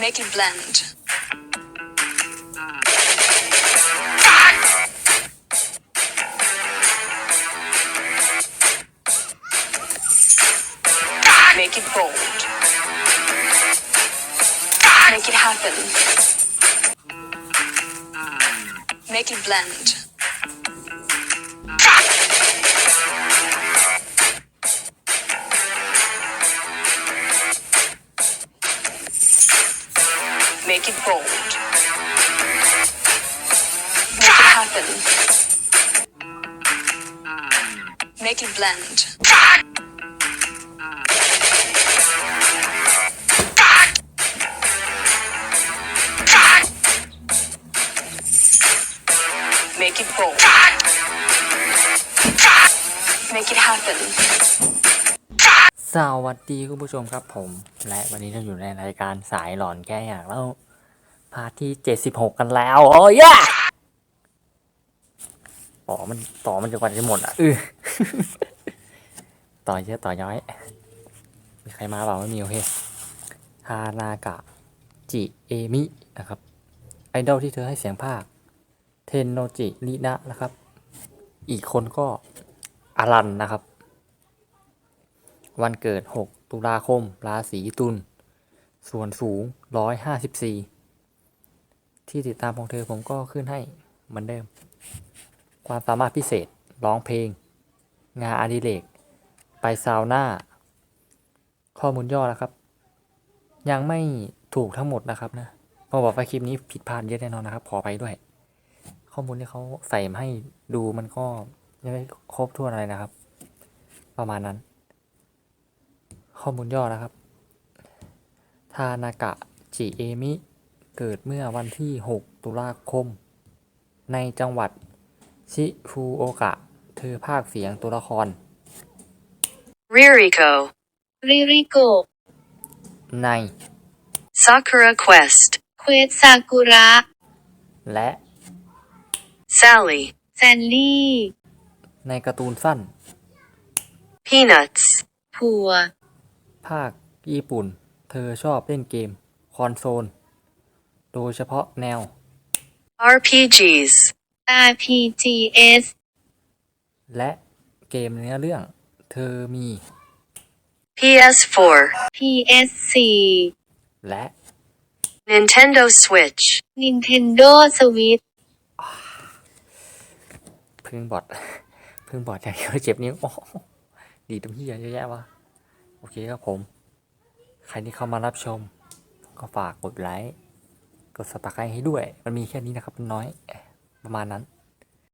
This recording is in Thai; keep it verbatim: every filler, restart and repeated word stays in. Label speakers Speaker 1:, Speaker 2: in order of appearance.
Speaker 1: Make it blend. Make it bold. Make it happen. Make it blend. Make it bold. Make it happen. Make it blend. Make it bold. Make it happen.
Speaker 2: สวัสดีคุณผู้ชมครับผมและวันนี้เราอยู่ในรายการสายหลอนแก้อยากแล้วพาร์ทที่เจ็ดสิบหกกันแล้วโอ้ยต่อมันต่อมันจะกว่าจะหมดอ่ะเออ ต่อเยอะต่อย้อยมีใครมาเปล่าไม่มีโอเคฮานากะจิเอมินะครับไอดอลที่เธอให้เสียงภาคเทนโนจิรินะนะครับอีกคนก็อารันนะครับวันเกิดหกตุลาคมราศีตุลส่วนสูงหนึ่งร้อยห้าสิบสี่ที่ติดตามของเธอผมก็ขึ้นให้เหมือนเดิมความสามารถพิเศษร้องเพลงงานอดิเรกไปซาวน่าข้อมูลย่อนะครับยังไม่ถูกทั้งหมดนะครับนะพอบอกว่าคลิปนี้ผิดพลาดเยอะแน่นอนนะครับขอไปด้วยข้อมูลที่เขาใส่มาให้ดูมันก็ยังไม่ครบถ้วนอะไรนะครับประมาณนั้นข้อมูลย่อนะครับทานากะจิเอมิเกิดเมื่อวันที่หกตุลาคมในจังหวัดชิฟูโอกะเธอพากย์เสียงตัวละคร
Speaker 1: Ririko.
Speaker 3: Ririko
Speaker 2: ใน
Speaker 1: Sakura Quest.
Speaker 3: เควสซากุระ
Speaker 2: และ
Speaker 1: Sally.
Speaker 3: แซนลี่
Speaker 2: ในการ์ตูนสั้น
Speaker 1: Peanuts.
Speaker 3: ผัว
Speaker 2: ภาคญี่ปุ่นเธอชอบเล่นเกมคอนโซลโดยเฉพาะแนว
Speaker 1: อาร์ พี จี s.
Speaker 3: อาร์ พี จี เอส
Speaker 2: และเกมเนื้อเรื่องเธอมี
Speaker 1: พี เอส โฟร์.
Speaker 3: พี เอส โฟร์
Speaker 2: และ
Speaker 1: Nintendo Switch.
Speaker 3: Nintendo Switch
Speaker 2: พึ่งบอด พึ่งบอดอย่างเดียวเจ็บนิ้วโอ้ดีตรงที่เยอะแยะวะโอเคครับผมใครที่เข้ามารับชมก็ฝากกดไลค์กดซับสไครบ์ให้ด้วยมันมีแค่นี้นะครับมันน้อยประมาณนั้น